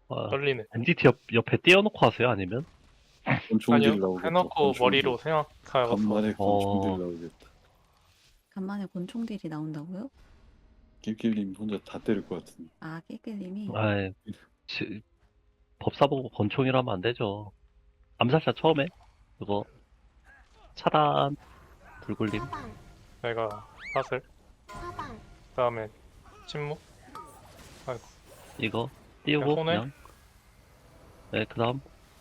아, 떨리네. MDT 옆에 띄워놓고 하세요? 아니면? 권총딜 아니요, 나오겠다. 해놓고 권총딜. 머리로 생각하고서. 간만에 권총딜 어. 나오겠다. 간만에 권총딜이 나온다고요? 길길님 혼자 다 때릴 것 같은데. 아, 깨끗님이. 아이, 법사 보고 권총이라면 안 되죠. 암살자 처음에 그거 차단 불굴림. 사방, 내가 사슬. 사방, 그 다음에 침묵. 아이고. 이거 띄우고 손에? 그냥. 네, 그다음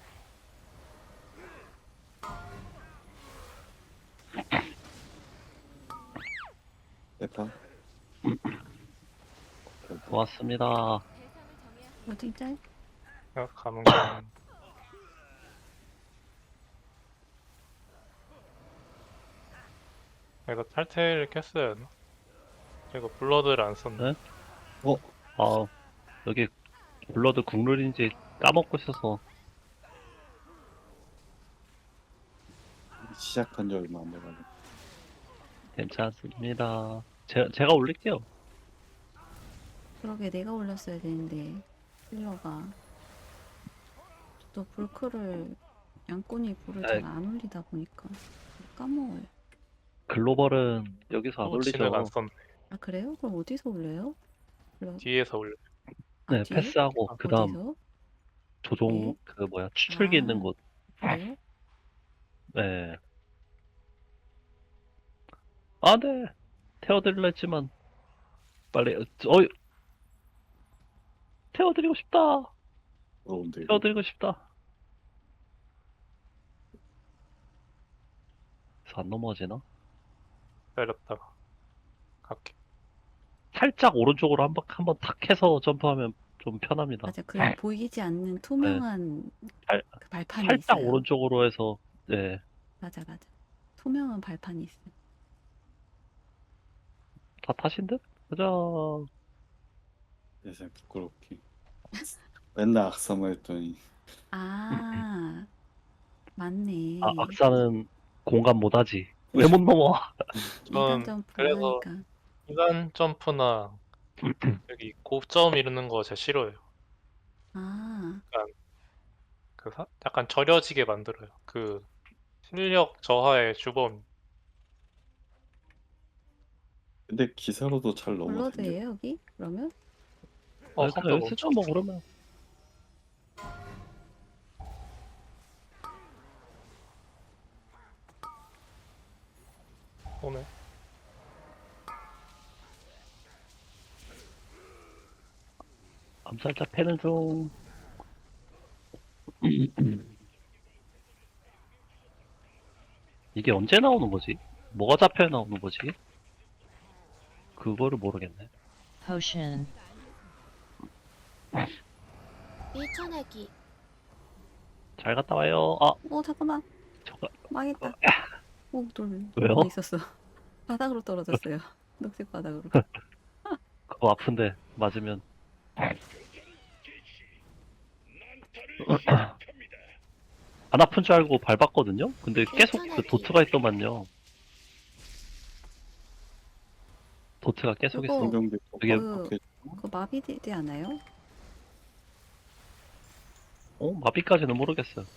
대파. 고맙습니다. 어디 짤? 내가 감은 거. 내가 탈퇴를 켰어야 했나? 이거 블러드를 안 썼네. 네? 아, 여기 블러드 국룰인지 까먹고 있어서. 시작한 지 얼마 안 돼가지고. 괜찮습니다. 제가 올릴게요. 그러게 내가 올렸어야 되는데 힐러가 또 불크를 양꾼이 불을 아이. 잘 안 올리다 보니까 까먹어요. 글로벌은 여기서 안 진을 안 올리죠. 썼네. 아 그래요? 그럼 어디서 올려요? 불러- 뒤에서 올려. 네, 뒤에? 패스하고 아, 그다음 어디서? 조종 네? 그 뭐야 추출기 아. 있는 곳. 그래요? 네. 아, 네. 태워드리려 했지만 빨리 태워드리고 싶다. 그런데 이거 태워드리고 싶다. 그래서 안 넘어지나? 때렸다가. 갈게. 살짝 오른쪽으로 한번 탁 해서 점프하면 좀 편합니다. 맞아, 그 보이지 않는 투명한 살- 그 발판이 살짝 있어요. 오른쪽으로 해서 네. 맞아. 투명한 발판이 있어요. 다 타신 듯? 가자. 세상 부끄럽게. 맨날 악사만 했더니 아, 맞네. 아, 악사는 공감 못하지. 왜 못 넘어? 인간 전 점프 그래서 하니까. 인간 점프나 여기 고점 이루는 거 제가 싫어해요. 아, 약간 절여지게 만들어요. 그 실력 저하의 주범. 근데 기사로도 잘 넘어댕겨. 블러드예요 여기? 그러면? 아, 컴퓨터 그냥 여기 쓰죠 뭐 그러면. 오네. 암살자 패는 중. 이게 언제 나오는 거지? 뭐가 잡혀야 나오는 거지? 그거를 모르겠네. potion, 밀쳐내기, 잘 갔다 와요. 아, 잠깐만. 저거 망했다. 돌 왜요? 있었어. 바닥으로 떨어졌어요. 녹색 바닥으로. 그거 아픈데 맞으면. 안 아픈 줄 알고 밟았거든요? 근데 계속 그 도트가 있더만요. 도트가 계속 그거- 있어. 성경대 이게 그 마비되지 않아요? 마비까지는 모르겠어요.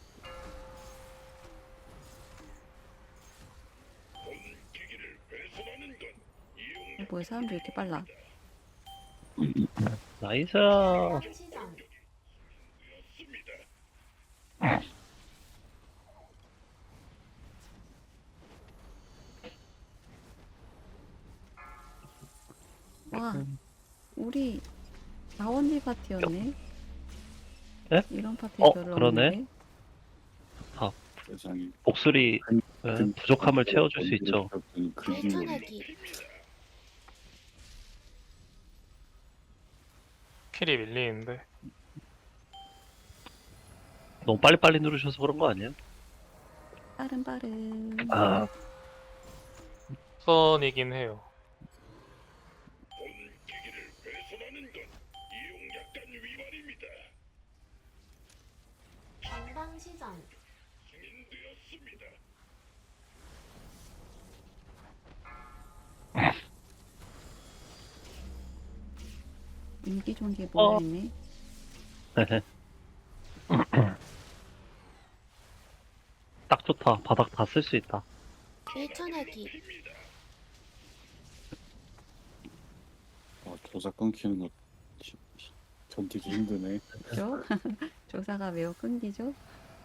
뭐야, 사람들이 이렇게 빨라. 나이스. 시전, 와, 우리 나원지 파티였네. 네? 이런 파티 별로 그러네. 없는데. 세상에. 목소리 부족함을 채워줄 수 있죠. 밀쳐내기, 킬이 밀리는데. 너무 빨리빨리 누르셔서 그런 거 아니에요? 빠른. 아, 선이긴 해요. 전방 시전, 인기 좋은 게 뭐가 있네. 딱 좋다. 바닥 다 쓸 수 있다. 밀쳐내기. 조작 끊기는 거 견디기 힘드네. 그죠? 조사가 매우 끊기죠?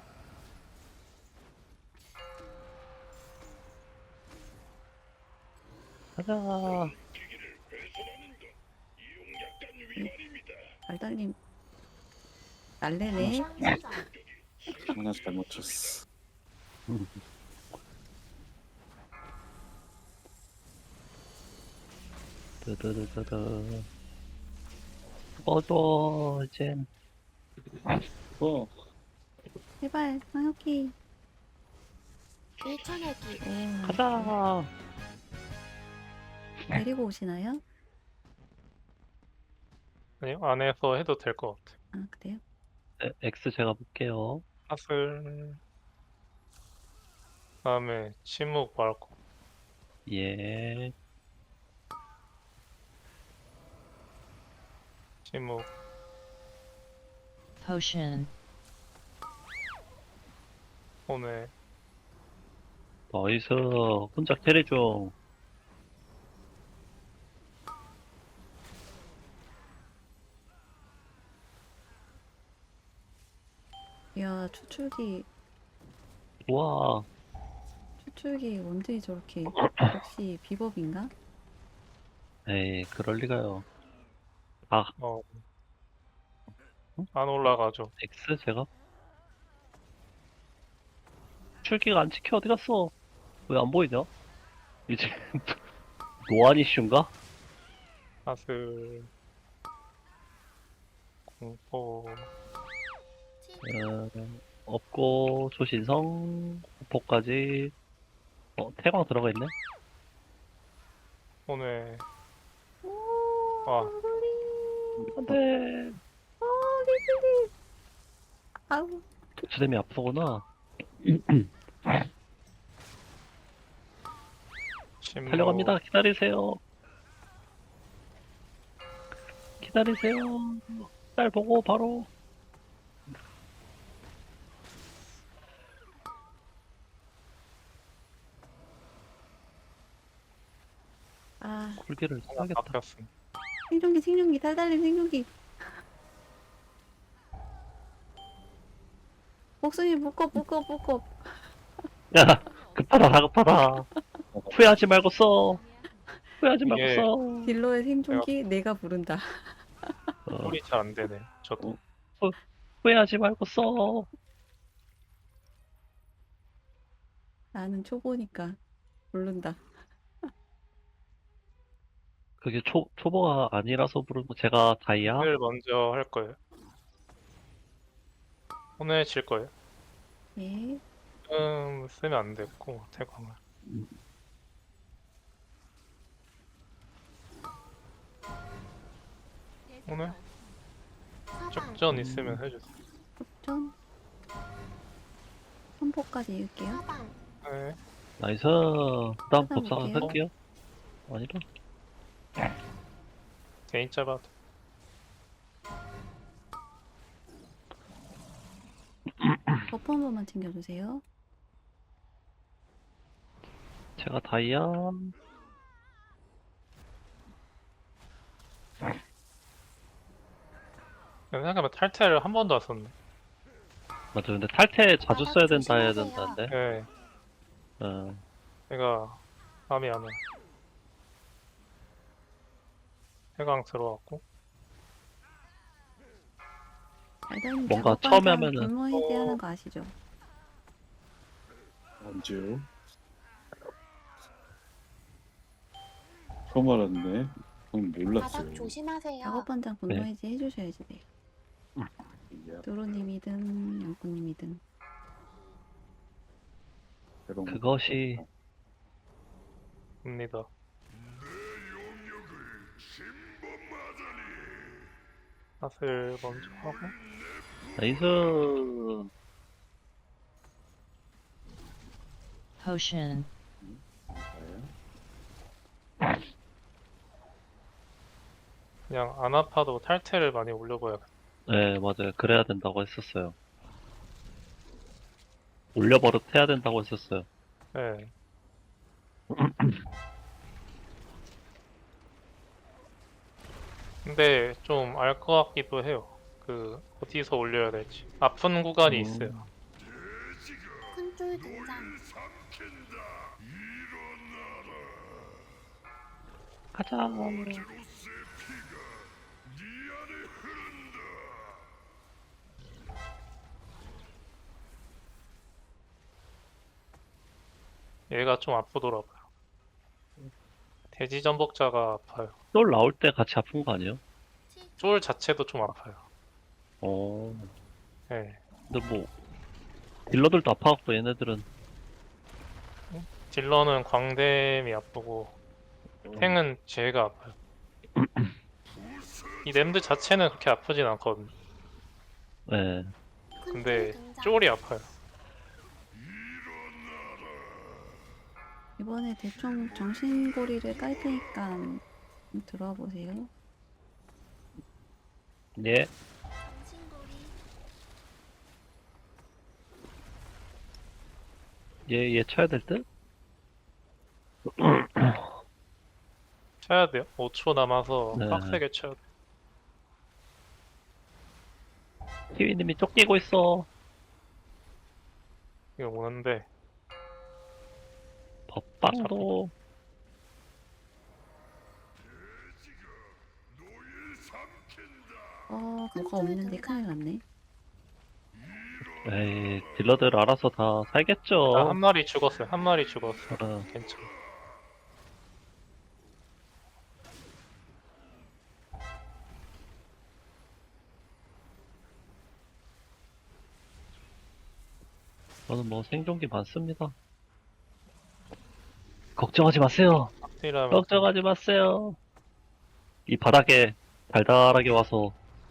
가자. 알달님 날래네. 상시전. 하나 잘못 쳤어. 드드드드드. 꺼줘, 이젠. 제발 상혁이. 밀쳐내기. 오, 가자. 데리고 오시나요? 아니요, 안에서 해도 될 것 같아. 아 그래요? 네, X 제가 볼게요. 사슬. 다음에 침묵 말고. 예. 침묵. potion, 오늘 나이스. 혼자 캐리 중. 이야 추출기 우와. 언제 저렇게 역시 비법인가? 에이, 그럴 리가요. 아, 어. 안 올라가죠. X 제가? 출기가 안 찍혀. 어디 갔어? 왜 안 보이냐? 이제 노안 이슈인가? 사슬. 공포. 없고 조신성 공포까지. 태광 들어가 있네. 오늘 아 안돼. 아우 주댐이 앞서구나. 침묵. 달려갑니다. 기다리세요. 기다리세요. 날 보고 바로. 아 굴기를 써야겠다. 바뀌었음. 생존기 달달님 생존기. 목숨이 묶어. 야, 급하다, 다급하다. 후회하지 말고 써. 후회하지 말고 이게- 써. 딜러의 생존기 내가 부른다. 소리 잘 안 되네. 저도. 후회하지 말고 써. 나는 초보니까 부른다. 그게 초보가 아니라서 부르고 제가 다이아. 오늘 먼저 할 거예요. 오늘 질 거예요. 예. 쓰면 안 됐고 태광을. 오늘 사방. 쪽전 있으면 해주세요. 흡전. 선포까지 읽을게요. 사방. 네. 나이스. 그 다음 법사가 볼게요. 할게요. 아니다. 개인 잡아도. 버프 한 번만 챙겨주세요. 제가 다이아. 생각해보면 탈퇴를 한 번도 안 썼네. 맞아. 근데 탈퇴 자주 바닥 써야 된다 해야 조심하세요. 된다는데. 네. 어, 내가 감이 안 와. 해강 들어왔고. 달달님 뭔가 작업반 처음에 사람 하면은- 분노 해제하는 거 아시죠? 언제요? 처음 알았네. 전 몰랐어요. 바닥 조심하세요. 작업반장 분노 네. 해제 해주셔야지 돼. 야, 도로님이든 양꾼님이든. 새로운 거 그것이 입니다. 사슬 먼저 하고. 나이스. potion, 봤어요. 그냥 안 아파도 탈퇴를 많이 올려봐야겠다. 네, 맞아요. 그래야 된다고 했었어요. 올려버릇 해야 된다고 했었어요. 네. 근데 좀 알 것 같기도 해요. 그 어디서 올려야 될지. 아픈 구간이 있어요. 큰쫄 등장. 가자. 얘가 좀 아프더라고요. 돼지 전복자가 아파요. 쫄 나올 때 같이 아픈 거 아니에요? 쫄 자체도 좀 아파요. 어, 네. 근데 뭐, 딜러들도 아파갖고 얘네들은. 딜러는 광댐이 아프고 탱은 제가 아파요. 이 램드 자체는 그렇게 아프진 않거든요. 네. 근데 큰쫄 등장. 쫄이 아파요. 이번에 대충 정신고리를 깔 테니까 좀 들어와 보세요. 예. 정신고리. 얘 쳐야 될 듯? 쳐야 돼요. 5초 남아서 네. 빡세게 쳐야 돼요. 키위님이 쫓기고 있어. 이거 오는데 법방도. 뭐가 없는데 큰일 났네. 에이, 딜러들 알아서 다 살겠죠. 한 마리 죽었어요. 한 마리 죽었어요. 어, 괜찮아. 저는 뭐 생존기 많습니다. 걱정하지 마세요. 확실하면 걱정하지 마세요. 이 바닥에 달달하게 와서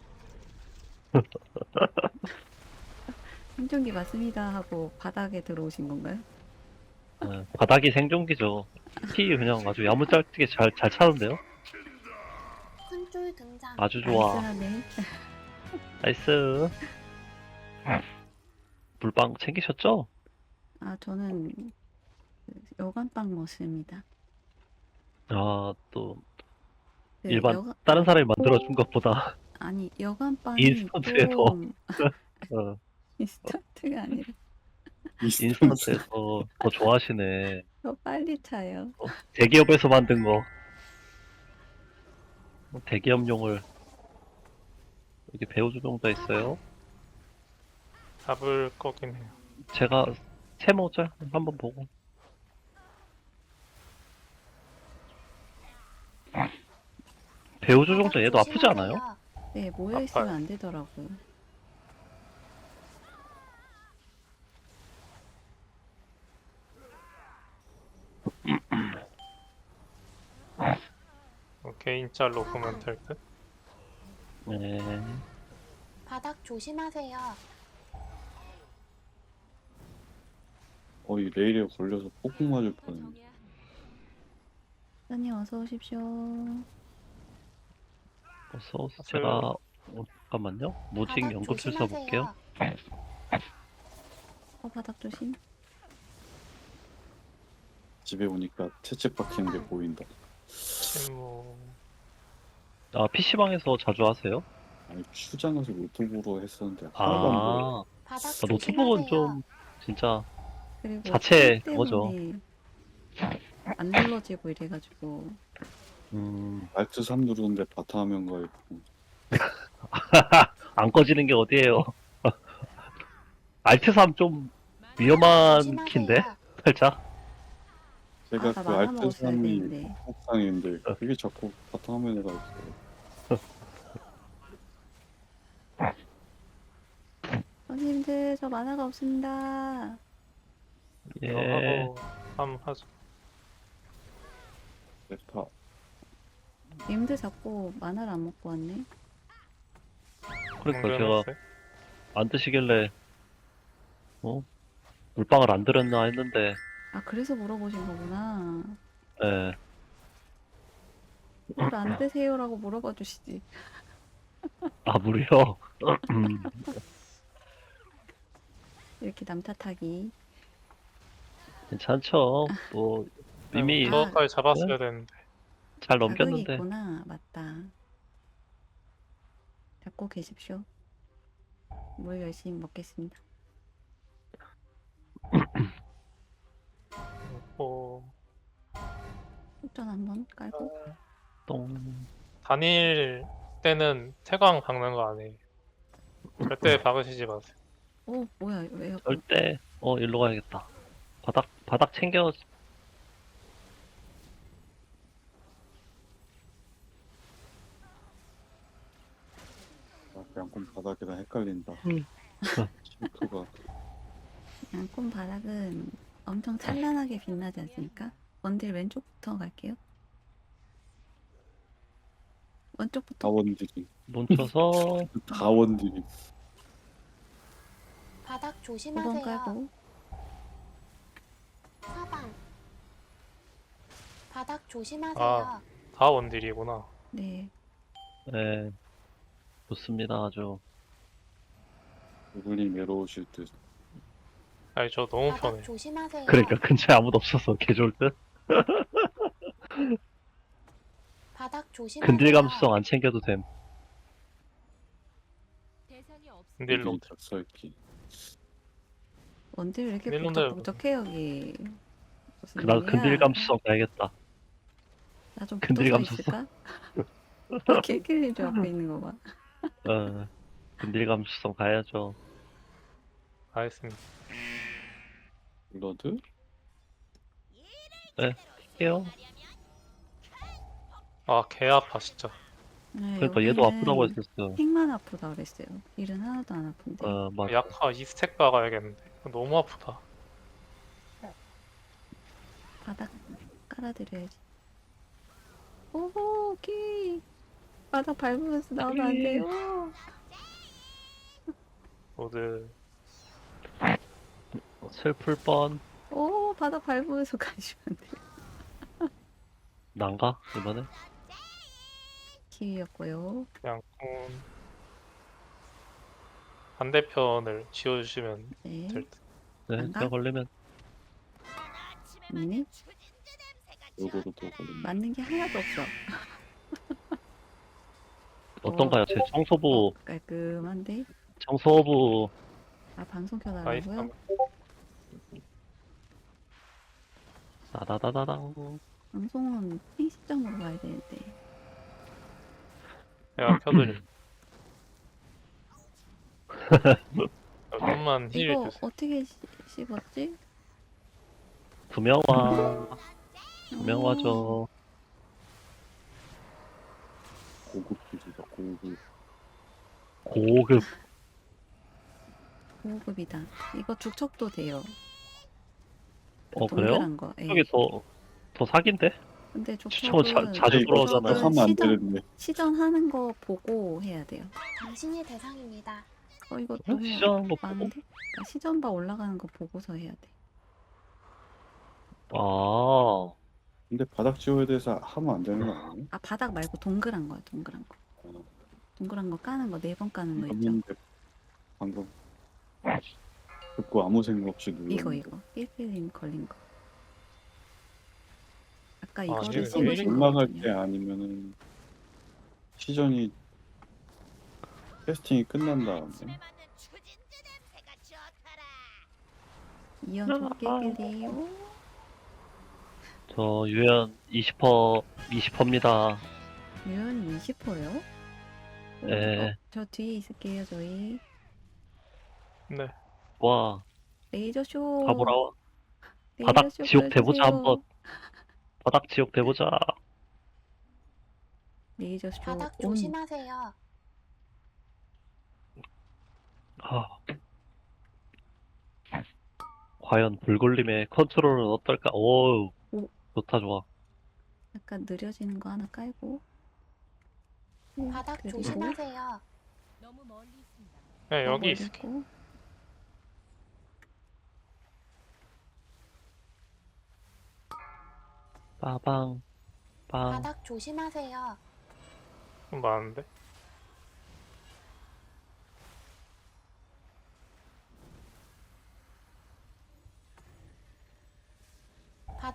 생존기 맞습니다 하고 바닥에 들어오신 건가요? 바닥이 생존기죠. 피 그냥 아주 야무짝게 잘 차는데요? 큰쫄 등장. 아주 좋아. 나이스하네. 나이스. 물방 챙기셨죠? 저는 그 여간빵 먹습니다. 아, 또 그 일반 다른 사람이 만들어준 것보다 아니 여간빵이 인스턴트에 더. 좀 어, 인스턴트가 아니라 인스턴트에서 더 좋아하시네. 더 빨리 차요. 대기업에서 만든 거. 대기업용을 여기 배우주병자 있어요. 잡을 거긴 해요. 제가 세모자 한번 보고. 배우주병자 얘도 아프지 않아요? 조심하세요. 네, 모여 있으면 아파요. 안 되더라고요. 개인 짤로 보면 될 듯. 네. 바닥 조심하세요. 거의 레일에 걸려서 폭풍 맞을 뻔했네. 사장님 어서 오십시오. 어서 제가 잠깐만요. 모직 바닥 연금술사 조심하세요. 볼게요. 바닥 조심. 집에 오니까 채찍 박히는 게 보인다. 침묵. 아, PC방에서 자주 하세요? 아니 출장에서 노트북으로 했었는데 하나도 안 보여. 아, 바닥 노트북은 조심하세요. 좀 진짜 그리고 자체 술 그거죠. 때문에 안 눌러지고 이래가지고 알트 3 누르는데 바탕화면가 있고. 안 꺼지는 게 어디예요? 알트 3 좀 위험한 조심하세요. 키인데 살짝. 제가 나 그 만화 알트 먹었어야 3이 되는데. 복상인데 그게 자꾸 바탕화면에 가 있어요. 선생님들 저 만화가 없습니다. 예. 이거 하고 한번 하죠. 레파 님들 자꾸 만화를 안 먹고 왔네. 그러니까 제가 공개해놨어요? 안 드시길래 물방울 안 들었나 했는데 그래서 물어보신 거구나. 예. 물 안 드세요라고 물어봐 주시지. 아, 무려. 이렇게 남 탓하기. 괜찮죠. 뭐, 이미 저까지 잡았어야 되는데. 잘 자극이 넘겼는데. 있구나. 맞다. 잡고 계십시오. 물 열심히 먹겠습니다. 뭐 속전 한번 깔고. 똥. 단일 때는 태광 박는 거 아니에요. 절대 박으시지 마세요. 오, 뭐야, 왜요? 절대, 일로 가야겠다. 바닥 챙겨. 아, 양꾼 바닥이랑 헷갈린다. 음. 싱크가 양꾼 바닥은 엄청 찬란하게 빛나지 않습니까? 원딜 왼쪽부터 갈게요. 왼쪽부터. 다원딜이. 뭉쳐서, 다원딜이. 바닥 5번 조심하세요. 깔고. 사방. 바닥 조심하세요. 아. 다 원딜이구나. 네. 네. 좋습니다, 아주. 누굴님 외로우실 듯. 아니 저 너무 바닥 편해. 조심하세요. 그러니까 근처에 아무도 없어서 개 좋을 듯? 바닥 조심하세요. 근딜 감수성 안 챙겨도 됨. 근딜로 닭설기. 원딜 왜 이렇게 근딜놈들- 북적북적해 여기. 무슨 나 일이야? 근딜 감수성 가야겠다. 나좀 근딜 붙어서 감수성. 있을까? 개끼리 저 앞에 있는 거 봐. 근딜 감수성 가야죠. 가겠습니다. 블러드? 할게요. 아 개 아파 진짜. 네, 그러니까 얘도 여기는 아프다고 했었어. 팩만 아프다 그랬어요. 일은 하나도 안 아픈데. 막 약화 2스택 박아야겠는데. 너무 아프다. 바닥 깔아드려야지. 오호, 키. 바닥 밟으면서 나오면 안 돼요. 모두 슬플 뻔. 오, 바닥 밟으면서 가시면 안 돼요. 난가 이번에? 키위였고요. 양꾼 반대편을 지워주시면 네. 될 듯. 네, 난가? 제가 걸리면 언니? 요거로 또 걸린다. 맞는 게 하나도 없어. 어떤가요? 제 청소부 깔끔한데? 청소부 아, 방송 나이스. 켜달라고요? 따다다다당. 방송은 핑시점으로 가야 되는데. 내가 켜드림. 좀만 힐 이거 주세요. 어떻게 씹었지? 두명화. 두명화죠. 고급 기술이다, 고급. 고급. 고급이다. 이거 죽척도 돼요. 그래요? 동그란 거. 예. 이게 더 사기인데? 근데 추첨은 죽척은 자주 돌아오잖아요. 하면 안 되는데. 시전하는 거 보고 해야 돼요. 당신이 대상입니다. 이거 응? 너무 시전하는 거 보고? 많은데? 그러니까 시전바 올라가는 거 보고서 해야 돼. 아, 근데 바닥 지워야 돼서 하면 안 되는 거 아니에요? 아, 바닥 말고 동그란 거야, 동그란 거. 동그란 거 까는 거, 4번 까는 거 있죠? 했는데 방금 듣고 아무 생각 없이 눌렀는데. 이거. 1필님 걸린 거. 아까 이게 이거를 왜 씹으신 올라갈 거거든요. 때 아니면은 시전이 캐스팅이 끝난 다음에 이연 좁게 저 유연 20%입니다. 유연이 20%요? 네. 저 뒤에 있을게요, 저희. 네. 와, 레이저쇼. 가보라. 레이저쇼 바닥 지옥 대보자 보여주세요. 한번. 바닥 지옥 대보자. 레이저쇼 바닥 온. 조심하세요. 아. 과연 불골림의 컨트롤은 어떨까? 오, 오. 좋다, 좋아. 약간 느려지는 거 하나 깔고. 오, 바닥 그리고 조심하세요. 네, 더 여기 있을게. 올리고. 빠방, 빵. 바닥 조심하세요. 좀 많은데.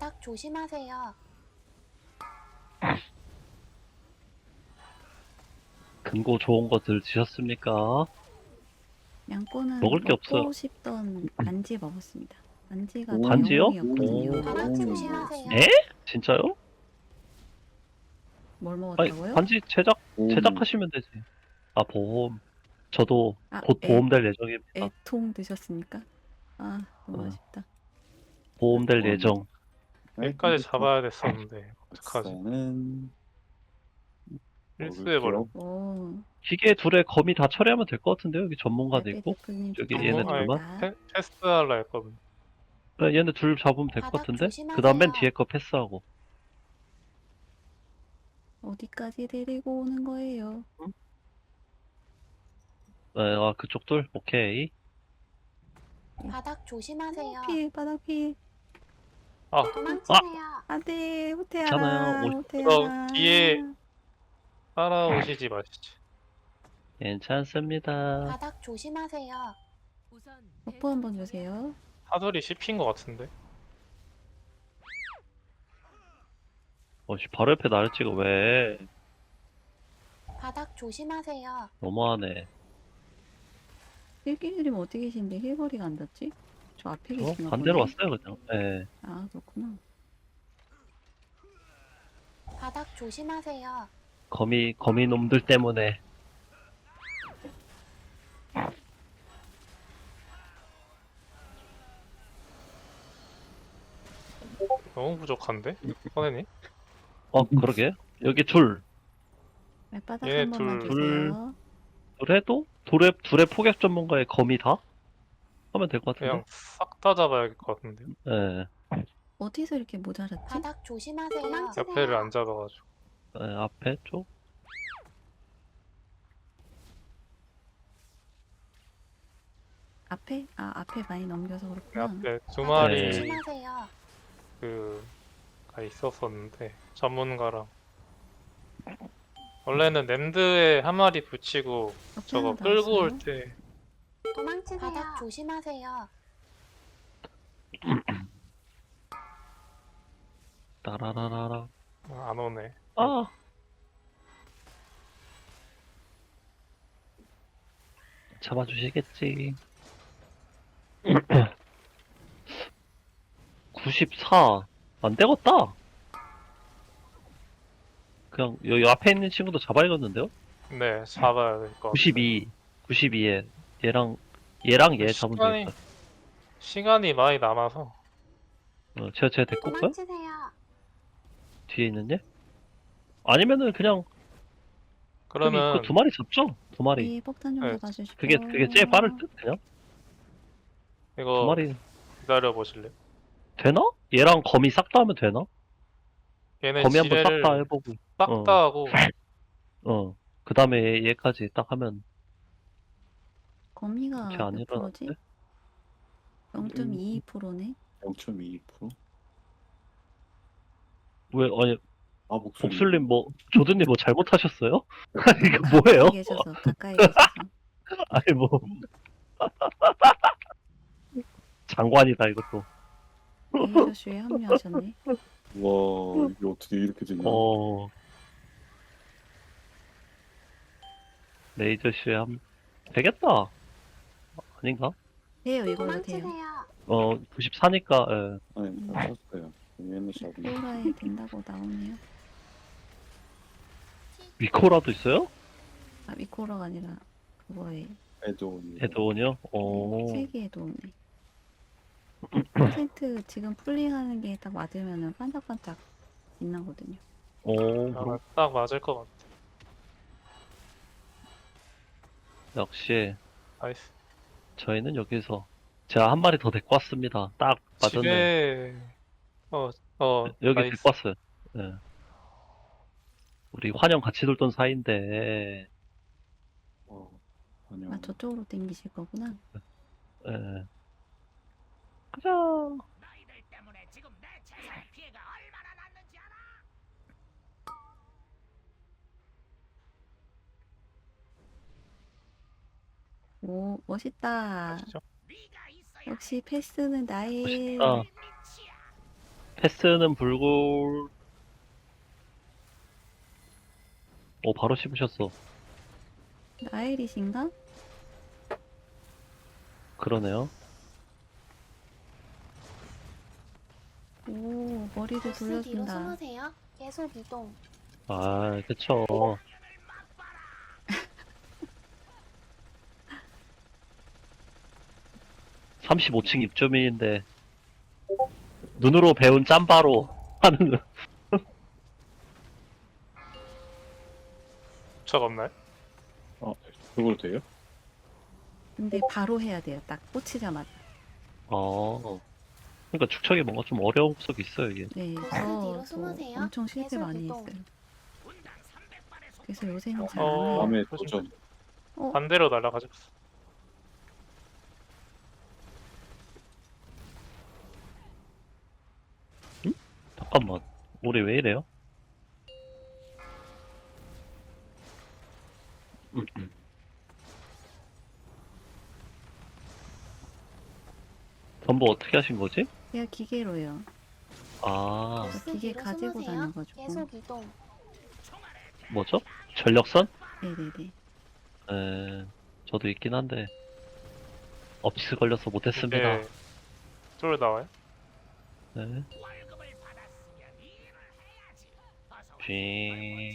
바닥 조심하세요. 근고 좋은 것들 드셨습니까? 양꼬는 먹을 게 없어요. 먹고 싶던 반지 먹었습니다. 반지가 오, 다 반지요? 영웅이었거든요. 오. 바닥 오. 조심하세요. 에? 진짜요? 뭘 아니 먹었다고요? 반지 제작하시면 되지. 아 보험. 저도 아, 곧 보험될 예정입니다. 애통 드셨습니까? 아, 너무 어. 아쉽다. 보험될 예정. 여기까지 잡아야 됐었는데 어떡하지? 박사는 실수해버려. 먹을게요. 오, 기계 둘에 거미 다 처리하면 될 것 같은데요. 여기 전문가도 알베 있고. 대표님 저기 얘네 축하드립니다. 둘만. 패스하려 했거든. 네, 얘네 둘 잡으면 될 것 바닥 같은데. 조심하세요. 그 다음 맨 뒤에 거 패스하고. 어디까지 데리고 오는 거예요? 네, 아 그쪽 둘 오케이. 바닥 조심하세요. 피, 바닥 피. 도망치세요. 안돼, 호태야라, 괜찮아요. 호태야라. 뒤에 따라오시지 마시지. 괜찮습니다. 바닥 조심하세요. 버프 한번 주세요. 하늘이 씹힌 것 같은데. 어씨 바로 옆에 나를 찍어 왜? 바닥 조심하세요. 너무하네. 힐기님 어디 계신데 힐거리가 안 닿지? 저 앞에 계신가 반대로 보네. 왔어요 그냥. 예. 아, 그렇구나. 바닥 조심하세요. 거미 놈들 때문에. 너무 부족한데? 선생님? 그러게. 여기 둘. 발바닥 얘 한 번만 둘. 주세요. 둘에도 둘의 포격 전문가의 거미 다 하면 될 것 그냥 같은데. 싹 다 잡아야 할 것 같은데요. 예. 어디서 이렇게 모자랐지? 바닥 조심하세요. 옆에를 안 잡아가지고. 예, 앞에 쪽. 앞에? 아, 앞에 많이 넘겨서 그 그렇구나. 앞에 두 바닥 마리 조심하세요. 가 있었었는데 전문가랑 원래는 램드에 한 마리 붙이고 저거 하나 끌고 나왔어요? 올 때 도망치세요. 바닥 조심하세요. 따라라라라. 안 오네. 아. 잡아주시겠지. 94. 안 되겠다. 그냥 여기 앞에 있는 친구도 잡아야겠는데요? 네, 잡아야 될 것 같아요. 92에 얘랑 얘 잡으면 시간이- 되겠다. 시간이 많이 남아서 제가 데리고 올까요? 도망치세요. 뒤에 있는 얘? 아니면은 그냥 그러면 그 두 마리 잡죠? 두 마리. 네, 폭탄 좀 네, 잡아주시고. 그게 제일 빠를 듯 그냥 두 이거 마리 기다려 보실래요? 되나? 얘랑 거미 싹 다 하면 되나? 얘네 거미 한번 싹 지뢰를 다 해보고 싹 다 하고 그 다음에 얘까지 딱 하면 거미가 그렇게 안 몇 프로지? 일어났는데? 0.22%네. 0.2%? 왜 아니 아, 목소리. 봅슬님 조드님 뭐 잘못하셨어요? 아니 이거 뭐예요? 가까이 계셔서, 가까이 계셔서. 아니 뭐 장관이다 이것도. 에이저슈에 합류하셨네. 와, 이게 어떻게 이렇게 되냐. 레이저슈에 되겠다. 아닌가? 돼요, 이걸로 돼요. 도망치세요. 94니까 예. 아니, 땄어요. 얘는 잡은 플로라에 된다고 나오네요. 위코라도 있어요? 아, 미코라가 아니라 그거에 애드온. 에드온이요? 세기에도 오네. 퍼센트 지금 풀링하는 게 딱 맞으면은 반짝반짝 빛나거든요. 아마 딱 맞을 것 같아. 역시 나이스. 저희는 여기서 제가 한 마리 더 데리고 왔습니다. 딱 맞았네. 지뢰 여기 나이스. 데리고 왔어요. 예. 우리 환영 같이 돌던 사이인데, 아니요. 아, 저쪽으로 땡기실 거구나. 예. 가자. 오, 멋있다. 아시죠? 역시 패스는 나의. 멋있다. 패스는 불굴. 오, 바로 씹으셨어. 나일이신가? 그러네요. 오, 머리를 보스 뒤로 돌려준다. 숨으세요. 계속 이동. 아, 그쵸. (35층) 입주민인데 눈으로 배운 짬바로 하는. 적 없나요? 그걸 돼요? 근데 바로 해야 돼요. 딱 꽂히자마자. 그러니까 축척이 뭔가 좀 어려운 구석이 있어요, 이게. 네, 뒤로 저도 숨으세요. 엄청 실패 계속 많이 이동. 했어요. 그래서 요새는 잘 안 어. 해요. 다음에 그러시면 도전. 반대로 날아가죠. 잠깐만, 우리 왜 이래요? 전부 어떻게 하신 거지? 그냥 기계로요. 아, 보스 기계 뒤로 가지고 숨으세요. 다녀가지고. 계속 이동. 뭐죠? 전력선? 네네네. 저도 있긴 한데 업치스 걸려서 못했습니다. 이제 쫄 나와요? 네. 쥐.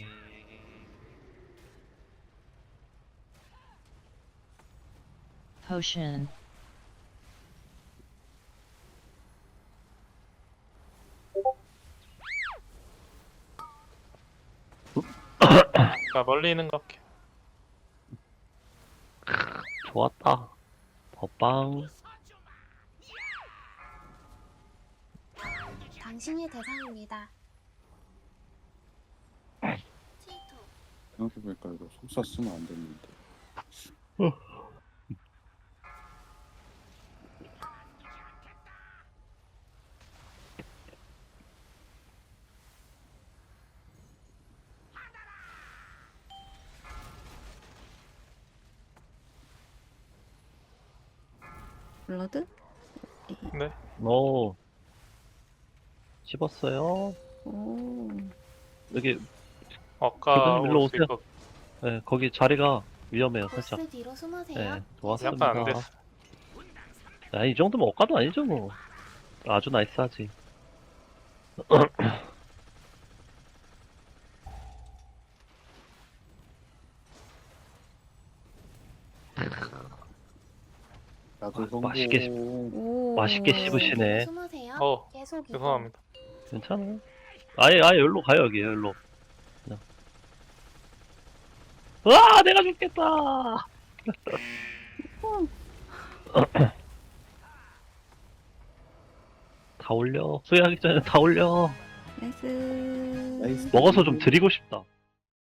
Potion. 자, 멀리 있는 거 할게. 좋았다. 법방. 당신이 대상입니다. 생각해보니까 이거 속사 쓰면 안 됐는데. 블러드? 네. 오. 씹었어요. 오. 여기, 아까 일로 올수 오세요. 있거 네, 거기 자리가 위험해요, 살짝. 보스 뒤로 숨으세요. 네, 약간 좋았습니다. 안 됐어. 이 정도면 억까도 아니죠, 뭐. 아주 나이스하지. 나도 아, 성공. 맛있게 오. 맛있게 보스 씹으시네. 뒤로 숨으세요. 어, 계속 이동. 죄송합니다. 괜찮아요. 아예 여기로 가요, 여기, 여기로. 그냥. 와, 내가 죽겠다! 다 올려. 수혜하기 전에 다 올려. 나이스. 나이스. 먹어서 좀 드리고 싶다.